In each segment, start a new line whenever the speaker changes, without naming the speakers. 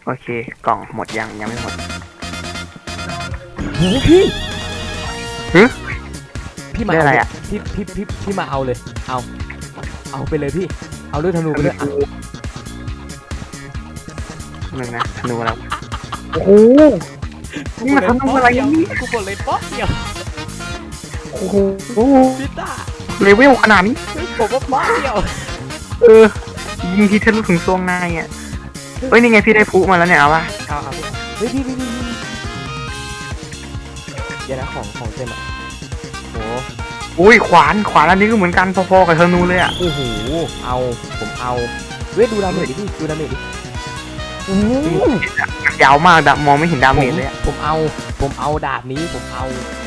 โอเคกล่องหมดยังไม่หมด
โหพี่
หึ
พี่มา
ได้
เอา
อะไร
เลย
อะ
พี่มาเอาเลยเอาไปเลยพี่เอาด้วยธนูไปด้วยอ่ะ
หนึ่งนะธนูแล้วโอ้โหนี่มันธนูอะไรเนี่ย
กูกดเลยป๊อกเดียว
โอ้โห
พี่ต้า
เลเวลขนาดนี้
ผมว่าป๊อกเดียว
เออยิงทีทะลุถึงซวงในอ่ะเฮ้ยนี่ไงพี่ได้พลุมาแล้วเนี่ยเอาวะ
เอาพี่เฮ้ยพี่เดี๋ยวนะของเต็มอ่ะโห
อุ้ยขวานอันนี้ก็เหมือนกันพอๆกับธนูเลยอ่ะ
โอ้โหผมเอาเว้ยดูดาเมจดิพี่ดูดาเมจดิ
ยาวมากมองไม่เห็นดาเมจเลยอะ
ผมเอาดาบนี้ผมเอา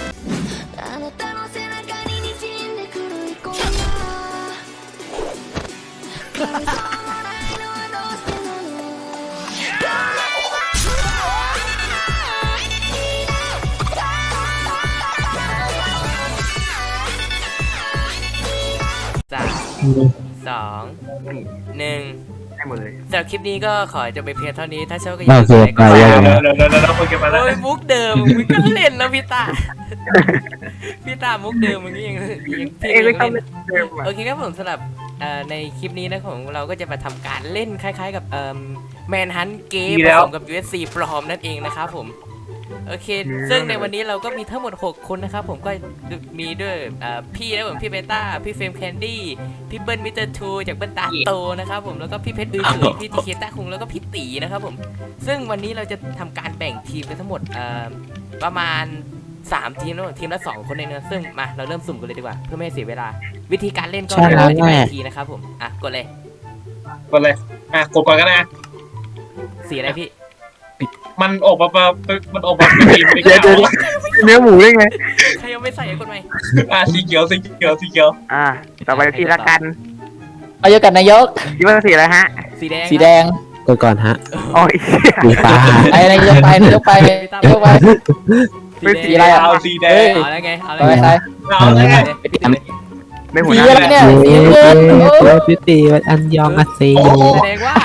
3 2 1
ได้หมดเลย
สำหรับคลิปนี้ก็ขอจะไปเพียงเท่านี้ถ้าชอบก็อ
โอเค
ลืมกดไลค์กดแชร์
ไป
เดี๋ยวโปเกมอนแล้ว
โอ้ยมุกเดิมมึงก็เล่นแล้วพี่ตา พี่ตามุกเดิมมึงก็ยังพี่
เอ้ยก็
ยัง
ชอบ
เล่น
เล่นเดิมอะ
โอเคครับผมสำหรับในคลิปนี้นะของเราก็จะมาทำการเล่นคล้ายๆกับแมนฮันเกมผสมกับ USC ปลอมนั่นเองนะครับผมโอเค ซึ่งในวันนี้เราก็มีทั้งหมด 6 คนนะครับผมก็มีด้วยพี่นะผมพี่เบต้าพี่เฟรมแคนดี้พี่เบิ้ลมิสเตอร์ทูจากเบิ้ลตาโตนะครับผมแล้วก็พี่เพชรอื้อพี่ทีเคต้าคุงแล้วก็พี่ตีนะครับผมซึ่งวันนี้เราจะทำการแบ่งทีมกันทั้งหมดประมาณ3 ทีมนะทีมละ2 คนเองนะซึ่งมาเราเริ่มสุ่มกันเลยดีกว่าเพื่อไม่ให้เสียเวลาวิธีการเล่นก็
ใช่
เดี๋ยว
แล้ว
อธิบาย
แม่
อีกทีนะครับผมกดเลย
กดเลยกดก่อนก็ได้
สีอะไรพี่
มันออกมามันออกมาเป็นสีไม่
เดี๋ยว
เขียว
เนื้อหมูได้ไง
ใครยังไม่ใส่กดไหม
สีเขียว
ต่อไปพี่ละกัน
เอาเยอะกันนายก
คิดว่าสีอะไรฮะ
สีแดง
สีแดงกดก่อนฮะ
อ๋อไอ้เหี้ย
สีฟ้าไอ้นายกไปนายกไปนายกไป
สีแดง
สีอะไรอะ
เอาสีแดง
เอาแล้วไงเอาแล้ว
ไป
ไง
ไป
เอาเลย
ไม่หัว
สี
หน้า
อะไรเนี่ยสีเงินโอ้
พิตีวันอันยองอาเซโย
แสดงว่า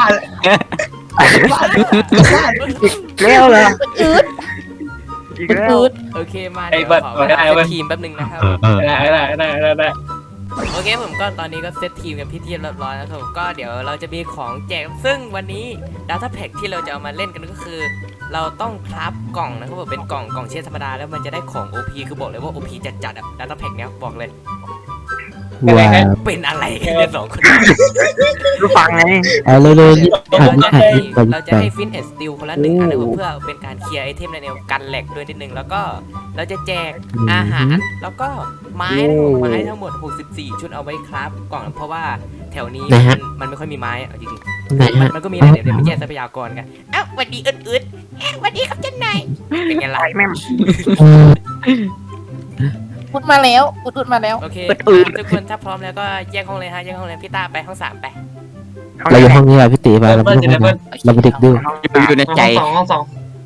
เลี้ยวเลย
อืด
อีก
มัน
แล้ว
อืด
โอเคมาเดี๋ยวขอเซตทีมแป๊บนึงนะครับ
ได้
โอเคผมก็ตอนนี้ก็เซตทีมกันพิธีเรียบร้อยแล้วครับผมก็เดี๋ยวเราจะมีของแจกซึ่งวันนี้ Data Pack ที่เราจะเอามาเล่นกันก็คือ เราต้องคราฟกล่องนะครับผมเป็นกล่องเชนธรรมดาแล้วมันจะได้ของ OP คือบอกเลยว่า OP จัดๆอ่ะ Data Pack เนี้ยบอกเลย
ว้าว
เป็นอะไรกันเนี่ย2 คน
รู้ฟังไง
เอาเร็วๆนี่หัน
เราจะ
หัน
ให้
อีกไป
เราจะให้ฟินแอนด์สติลคนละ1 อันนะครับผมเพื่อเป็นการเคลียร์ไอเทมในแนวกันแหลกด้วยนิดนึงแล้วก็เราจะแจกอาหารแล้วก็ไม้นะครับผมไม้ทั้งหมด64 ชุดเอาไว้คราฟกล่องเพราะว่าแถวนี้มันไม่ค่อยมีไม้เอาจริงๆ
ไหนฮะ
มันก็มีนะเดี๋ยวไปแย่งทรัพยากรกันอ้าวสวัสดีอึดๆสวัสดีครับเจ้านายเป็นไงล่ะ
ไปแม่ง
อุดมาแล้วอุดมาแล้ว
โอเค
อึด
ทุกคนถ้าพร้อมแล้วก็แยกห้องเลยฮะแยกห้องเลยพี่ตาไปห้อง3ไป
เราอยู่ห้องนี้แหละพี่ตีไปเราไม่ต้องไปเราไปเด็กดื้อ
อยู่ในใจห้อง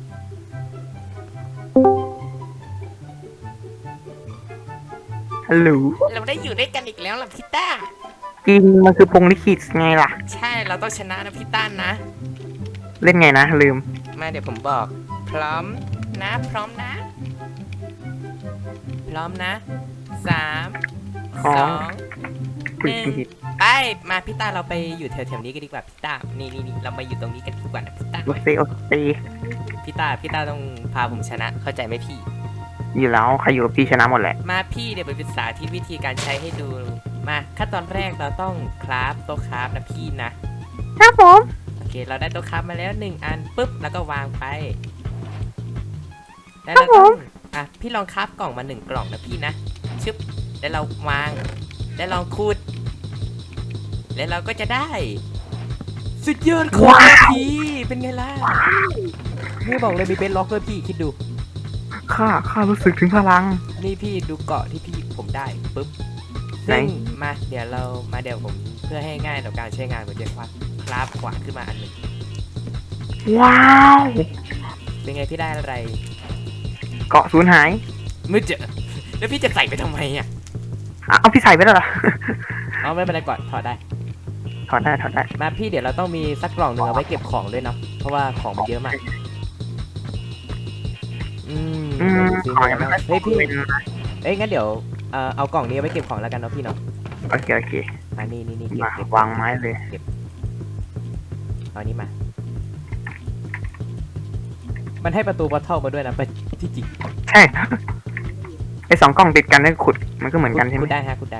ฮัลโหล
เราได้อยู่ด้วยกันอีกแล้วล่ะพี่ตา
จริงมันคือพงลิขิตไงล่ะ
ใช่เราต้องชนะนะพี่ต้านนะ
เล่นไงนะลืม
มาเดี๋ยวผมบอก พร้อมนะพร้อมนะ พร้อมนะ3
อ๋อ
2
คุยผิด
ไปมาพี่ตาเราไปอยู่แถวๆนี้กันดีกว่าพี่ตานี่เรามาอยู่ตรงนี้กันดีกว่านะพี่ตา
โอเคโอเค
พี่ตาต้องพาผมชนะเข้าใจไหมพี่
อยู่แล้วใครอยู่กับพี่ชนะหมดแหละ
มาพี่เดี๋ยวไปศึกษาที่วิธีการใช้ให้ดูมาขั้นตอนแรกเราต้องคราฟโต๊ะคราฟนะพี่นะครับ
ผม
โอเคเราได้โต๊ะคราฟมาแล้ว1 อันปุ๊บแล้วก็วางไปแล้วเราต้องพี่ลองคราฟกล่องมา1 กล่องนะพี่นะชึบแล้วเราวางแล้วลองขุดแล้วเราก็จะได้ สุดยอดของพี่เป็นไงล่ะไม่บอกเลยมีเบนล็อกด้วยพี่คิดดู
ข้ารู้สึกถึงพลัง
นี่พี่ดูเกาะที่พี่ผมได้ปุ๊บ
ไหน
ซึ่งมาเดี๋ยวผมเพื่อให้ง่ายต่อการใช้งานผมจะคราฟขวานขึ้นมาอันหนึ่ง
ว้าว
เป็นไงพี่ได้อะไร
เกาะสูญหาย
ไม่เจอแล้วพี่จะใส่ไปทำไมอ่ะ
เอาพี่ใส่ไปแล้วเหรอ
เอาไม่เป็นไรก่อนถอดได้
ถอดได้
มาพี่เดี๋ยวเราต้องมีสักกล่องหนึ่งเอาไว้เก็บของด้วยเนาะเพราะว่าของมันเยอะมากซื้อ
ขอ
มาง
ยังไม่
แล้ว
ค่อย
เฮ้ยพี่
เป็นนะ
เอ้ยงั้นเดี๋ยวเอากล่องนี้เอาไว้เก็บของแล้วกันเนาะพี่เนาะ
โอเคโอเค
นี่เก็บ
มา
เก็บ
วางไม้เลย
เอานี้มา มันให้ประตูบัตเทิลมาด้วยนะไปที่จริง
ใช่ไอสองกล่องติดกันได้ขุดมันก็เหมือนกันใช่ไหม
คุณได้ฮะคุณได้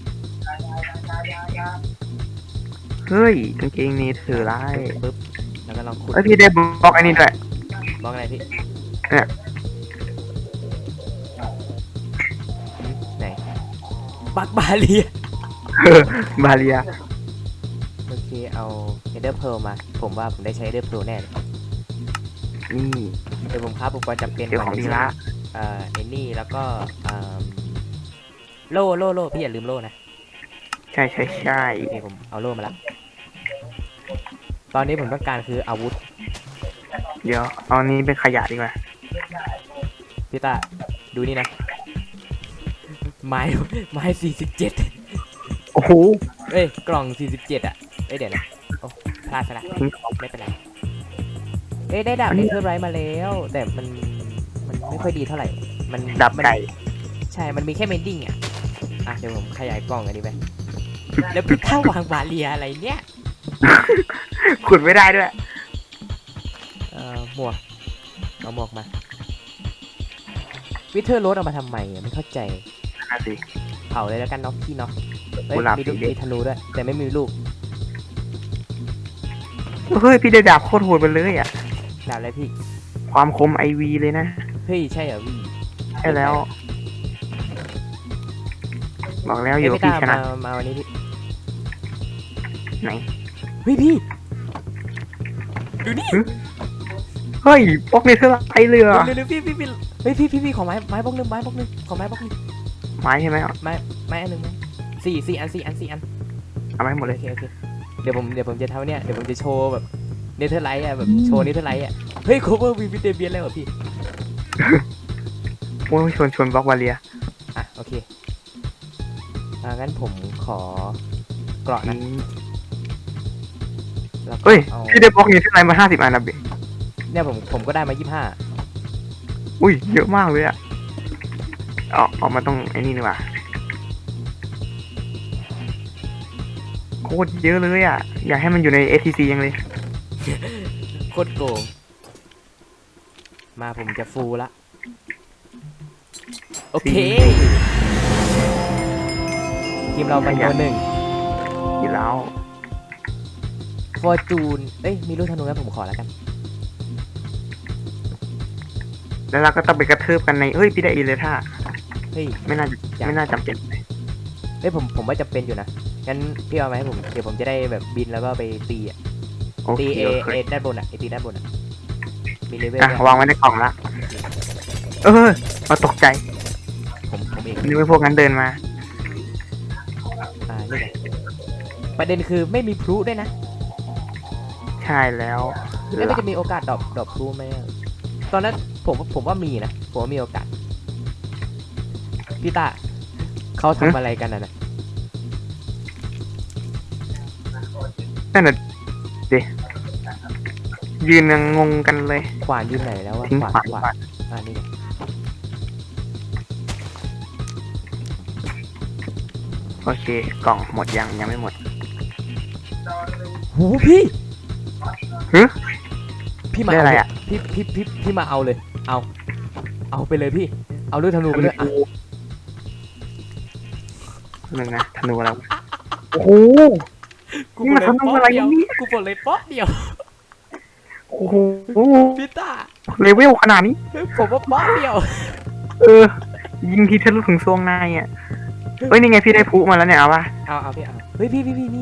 เฮ้ยกางเกงนี้ถือร้าย
ปึ๊บแล้วก็ลองขุด
เอ้ยพี่ได้บล็อกไอ้นี่ด้วย
บล็อกอะไรพี่
เนี่ย
ไหนบักบาเลีย
บาเรีย
โอเคเอาเอเดอร์เพลมาผมว่าผมได้ใช้เอเดอร์เพลแน่เลย
นี่
เดี๋ยวผมค้าอุปกรณ์จำเป็น
เดี๋ยวของดีละ
ไอ้นี่แล้วก็โล่พี่อย่าลืมโล่นะ
ใช่ใช่ใช่
โอเคผมเอาโล่มาละตอนนี้ผมต้องการคืออาวุธ
เดี๋ยวเอานี้เป็นขยะดีกว่า
พี่ตาดูนี่นะไม้47
โอ้โห
เอ้ยกล่อง47อ่ะเอ้ยเดี๋ยวนะโอ้พลาดซะละ
ทิ้งของ
ไม่เป็นไรเอ้ยได้ดาบ
อันนี้
เนเธอร์ไรท์มาแล้ว แต่มันไม่ค่อยดีเท่าไหร่มัน
ดับไก่
ใช่ มันมีแค่เมนดิ้งอ่ะเดี๋ยวผมขยายกล่องอันนี้ไปแล้วพี่ข้าวางบาเรียอะไรเนี่ย
ขุดไม่ได้ด้วย
หมวกเอาหมวกมาวิเทอร์โรสเอามาทำไมไม่เข้าใจ
น่าสิ
เผาเลยแล้วกันเนาะพี่เนาะเอ้ย
กุหลาบ
มีลูก
สีแดง
มีธนูด้วย แต่ไม่มีลูก
เฮ้ยพี่ได้ดาบโคตรโหดไปเลยอ่ะ
ดาบอะไรพี่
ความคมไอวีเลยนะ
เฮ้ยใช่เหรอพี่
ใช่แล้ว บอกแล้วอยู่กับ
พี่
พี่
ตา
ชนะ
มาวันนี้พี่
ไหน
เฮ้ยพี่ดูนี่
เฮ้ยบล็อกเนเธอร์ไลท์เลยเหรอ
เร็วๆพี่เฮ้ยพี่ขอไม้บล็อกหนึงขอไม้บล็อกหนึง
ไม้ใช่ไหม
ไม้อันหนึ่งไหมสี่อัน
เอาไม้หมด
โอ
เลย
เคเดี๋ยวผมจะทำเนี่ยเดี๋ยวผมจะโชว์แบบเนเธอร์ไลท์อ่ะแบบโชว์เนเธอร์ไลท์อ่ะเฮ้ยโคเวอร์วีวิเตเบียนแล้วเหรอพี่
โอ้ยชวนบล็อกวาเลีย
โอเคงั้นผมขอเกราะนะแล้วก็
เฮ้ย
เอา
พี่ได้บล็อกเนเธอร์ไลท์มา50 อันนะเบ
เนี่ยผมก็ได้มา
อุ้ยเยอะมากเลยอ่ะออกมาต้องไอ้นี่ดีกว่าโคตรเยอะเลยอ่ะ อยากให้มันอยู่ใน ATC ยังเลย
25โคตรโกงมาผมจะฟูละโอเคทีมเราไปตัวหนึ่ง
ที่แล้ว
ฟอร์จูนเอ้ยมีลูกธนูนะผมขอแล้วกัน
แล้วเราก็ต้องไปกระทืบกันในเฮ้ยพี่ได้อีเลท่า
เฮ้ย
ไม่น่าจำเป็น
เฮ้ยผมว่าจะเป็นอยู่นะงั้นพี่เอามาให้ผมเดี๋ยวผมจะได้แบบบินแล้วก็ไปตีอ่ะ
โอเค
ตีเอ
โอเค
ด้านบนอ่ะตีด้านบนอ่ะมีเลเวล
อ่ะ
ด้วย
วางไว้ในกล่องละมาตกใจ
ผมเอง
นึกว่าพวกนั้นเดินมา
นี่ไงประเด็นคือไม่มีพลุด้วยนะ
ใช่แล้ว
แล้วมันจะมีโอกาสดรอปพลุไหมอะตอนนั้นผมว่ามีนะผมว่ามีโอกาสพี่ตาเขาทำอะไรกันนะ
นั่นน่ะเดี๋ยวยืนยังงงกันเลย
ขวานอยู่ไหนแล้ววะ
ทิ้งขวาน
นี่ไง
โอเค กล่องหมดยังไม่หมด
หูพี่
ฮึ
พี่มา
ได้อะไรอะ
พี่มาเอาเลย เอาไปเลยพี่เอาลูกธนูไปเลยอ่ะ
นึงนะธนูแล้วโอ้โห
กู
นี่มันธนูอะไรเนี่ย
กูปลดเลยป๊อปเดียว
โอ้โห
พี่ตา
เลเวลขนาดนี้
ผมว่าป๊อปเดียว
ยิงทีทะลุถึงซวงในอ่ะเฮ้ยนี่ไงพี่ได้พลุมาแล้วเนี่ยเอาป่ะ
เอาพี่เอาเฮ้ยพี่นี่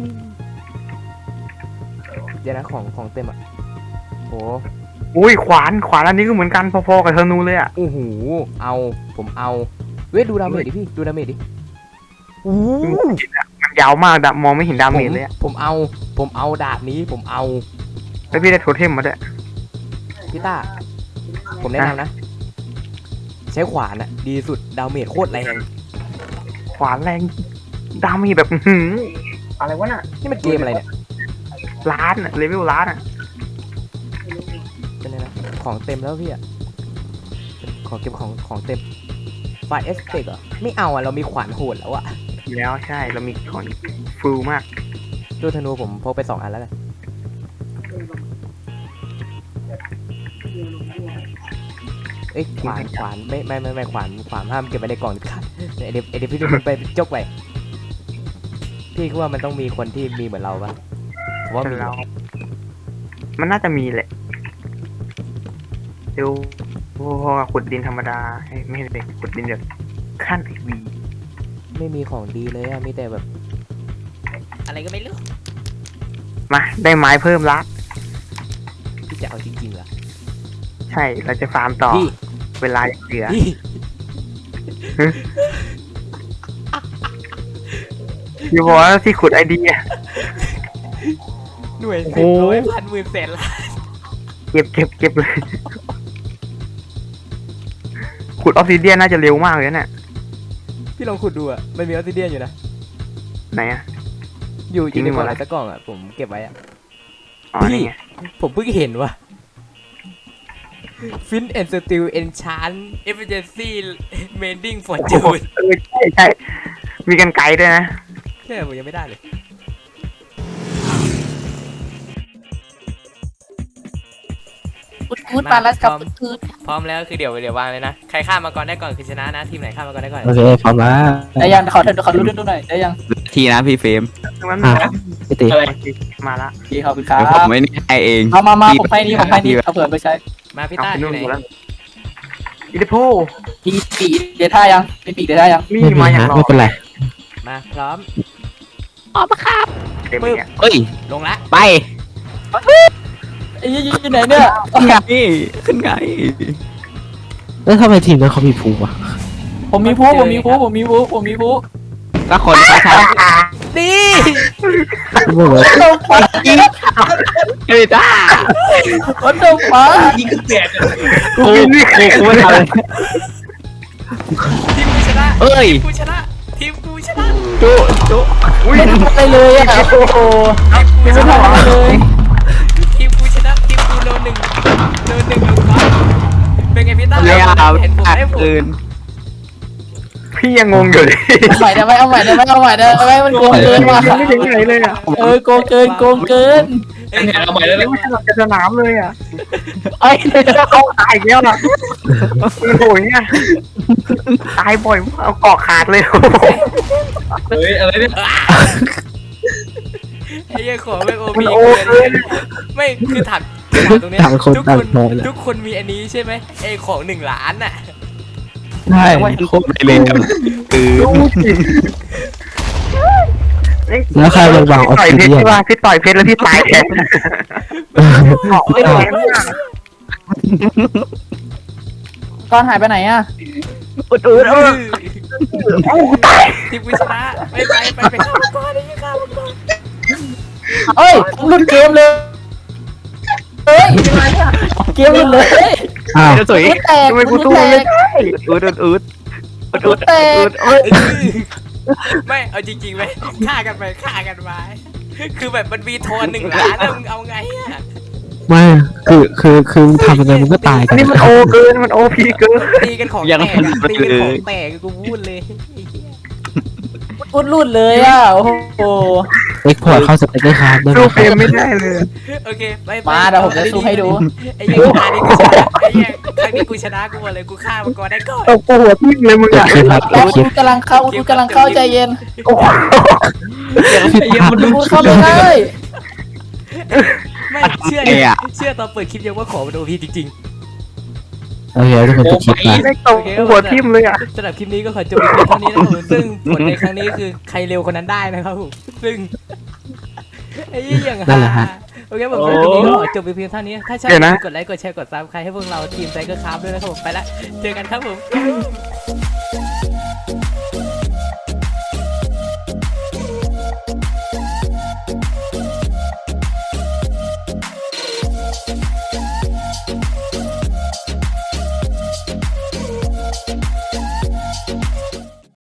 เดี๋ยวนะของเต็มอ่ะโห
อุ้ยขวานอันนี้ก็เหมือนกันพอๆกับธนูเลยอ่ะ
โอ้โหผมเอาเว้ยดูดาเมจดิพี่ดูดาเมจดิโอ้โห
มันยาวมากมองไม่เห็นดาเมจเลยอ่ะ
ผมเอาดาบนี้ผมเอา
แล้วพี่ได้โทเทมมาด้วย
พี่ต้าผมแนะนำนะ ใช้ขวานอะดีสุดดาเมจโคตรแรง
ขวานแรงดาเมจแบบอะไรวะน่ะ
นี่มันเกมอะไรเนี่ย
ล้านอะเลเวลล้านอะ
ของเต็มแล้วพี่อะขอเก็บของเต็มไฟเอสเตกเหรอไม่เอาอะเรามีขวานโหดแล้วอะ
แล้วใช่เรามีของฟูลมาก
ตู้ธนูผมพกไป2 อันแล้วกันเอ้ยขวานไม่ขวานห้ามเก็บไว้ในกล่องค่ะเดี๋ยวพี่ดูมันไปจกไปพี่คิดว่ามันต้องมีคนที่มีเหมือนเราปะผมว่ามี
เรา มันน่าจะมีแหละเดี๋ยวพอขุดดินธรรมดาไม่ใช่เลยขุดดินแบบขั้นไอวี
ไม่มีของดีเลยอะมีแต่แบบ อะไรก็ไม่รู้
มาได้ไม้เพิ่มละ
พี่จะเอาจริงๆเหรอ
ใช่เราจะฟาร์มต่อ
พี่
เวลาเหลือ
พี่
พี่บอกว่าที่ขุดไอเดีย
หน่วย
โอ้
10
โห
ร้อยพันหมื่นแสนล้าน
เก็บเลย ขุดออฟซิเดียนน่าจะเร็วมากเลยนะเนี่ย
พี่ลองขุดดูอะมันมีออสซิเดียนอยู่นะ
ไหนอะ
อยู่
จริง
ในกล่อง
เหรอ
อะไรสักกล่องอะผมเก็บไว้อะ
อ๋อ
พี่
นี่ไง
ผมเพิ่งเห็นว่ะ Fin and Steel Enchant Efficiency Mending Fortune
ใช่มีกันไกลด้วยนะ
แค่ผมยังไม่ได้เลย
อุดมาแล้วกับอุด
พร้อมแล้วคือเดี๋ยววางเลยนะ ใครฆ่ามาก่อนได้ก่อนคือชนะนะ ทีมไหนฆ่ามาก่อนได้ก่อน
โอเคพร้อมแล้ว
ได้ยังขอรู้ดูหน่อยได้ยัง
ทีนะพี่เฟรม
มัน
พี่ตี
อะไร
มาละ
พี่ขอบคุณครั
เดี๋ยวผม
บ
ไม่ได้ให้เอง
มาผมให้นี่เอาเผื่อไปใช้
มาพี่
เอา
ต้า
ไป
อ
นู่
ยู่
น
ไหน
หมดแล้วอีเดโพ
มีปีเดท่ายังมีปีเดท่ายัง
มี
ไม่มี
มาอย่าง
ฮะ
รอ
ไม่เป็นไร
มาพร้อม
เต็มเนี่ย
เฮ้ย
ลงละ
ไป
ไอ้ยี่อยู่ไหนเนี่ย
ขึ้นไงขึ้นไง
แล้วทำไมทีมนั้นเขามีภูมิวะ
ผมมีผู้
ก็คนเขาท
ดี
ไม่รู้เลย
ำเฮ้ยจ้า
วันเดอร์ฟ้า
ยิงขึ้นแตกอะ
กูไม่ทำเลย
ทีมกูชนะ
เอ้ย
ทีมกูชนะทีมกูชนะ
จุจุ
ไม่ทำอะไรเลยอ่ะโอ้โห
ทีมกู
ไม่
ชนะ
ทำอะไรเลย
ทีมกูชนะทีมกูโลหนึ่งลงก่อนเป็นไงพี่ต้า
พยายาม
เห็นผม
อัด
ได้ผม
คืน
พี่ยังงงอยู่เลย
เอาใหม่ได้ไหมมันโกงเกินว่ะ
ยังไม่ถึงไหนเลยอ่ะ
โกงเกิน
เอ้ย
เนี่ยเอาใหม่แล้ว
ยัง
นะ
ไม่ฉลับจะสนามเลยอ่ะไอ้เข้าตายอีกแล้วล่ะโอ้ยเนี่ยตายบ่อยมากเอาเกาะขาดเลย
เฮ้ยอะไรเนี่ย
ไอ้เหี้ยของไม่โอ
มัน
พี
โอ
เกิน
เกิน
ไม่คือถามตรงเนี้ย
ต่างคน
ทุก
ต่าง
คน
พอยเลย
ทุกคนมีอันนี้ใช่ไหมไอ้ของ1 ล้านน่ะ
ใช่
โคตรไม่เลยคือ
แล้วใครวางออฟ
ต่อย
ซิ
เพชร
เดียน
ใช่ป่ะพี่ต่อยเพชรแล้วพี่ตายแทนเกาะไม่แข็งมาก
ก้อนหายไปไหนอ่ะ
อุด
เอ้าตาย
ทีมกูชนะไปข้าวมังกรไอ้เหี้ยข้าวมังกร
เอ้ยหลุดเกมเลยเฮ้ยเกมหลุดเลย
อ้าว
จะสวย
แตก
ทำไมกูสู้มันไม่ได้
อุด
แตก
ไม่เอาจริงๆไหมฆ่ากันไปฆ่ากันมาคือแบบมันมีโทน1 ล้านแล้วมึงเอาไงอ่ะ
ไม่คือทำยังไงมันก็ตายกั
อัน
น
นี้มันโอเกินมันโอพีเกิน
ตีกันของแตกอะตีกันของแตกกูพูดเลยไอ้เหี้ย
อุดหลุดเลยอ่ะโอ้โห
เอ็กพอร์ตเข้าสเต็กเกอร์คาร์ดได้ไหม
สู้
ค
เก
รับ
มไม่ได้เลย
โอเคไป
มาเดี๋ยวผมจะสู้ให้ดู
ไอ้เหี้ยครั้งนี้กูชนะไอ้เหี้ยครั้งนี้กูชนะกูบอกเลยกูฆ่ามังกรได้ก่อน
ตกหัวทิ้งเลยมึง
เกิด
อ่ะ
ขึ้นครับ
แล้ว
คลิ
อุ
ป
ดกำลังเข้าใจเย็น
โอ้โห
คลิปภาพ
อุดเข้าไปเลย
ไม่เชื่อตอนเปิดคลิปยังว่าของมันโอพีจริง
โอเคทุกคนจะคลิปไป
ไม่ตกหัวทิ่มเลยอ่ะ
ๆสำหรับคลิปนี้ก็ขอจบเพียงเท่านี้นะครับผมซึ่งผลในครั้งนี้คือใครเร็วคนนั้นได้นะครับผมซึ่งไอ้เหี้ยอย่าง
นั่นแหละฮะ
โอเคผมสำหรับคลิปนี้ก็ขอจบเพียงเท่านี้ถ้าชอบกดไลค์กดแชร์กดซับใครให้พวกเราทีมไซเคิลคราฟด้วยนะครับผมไปละเจอกันครับผม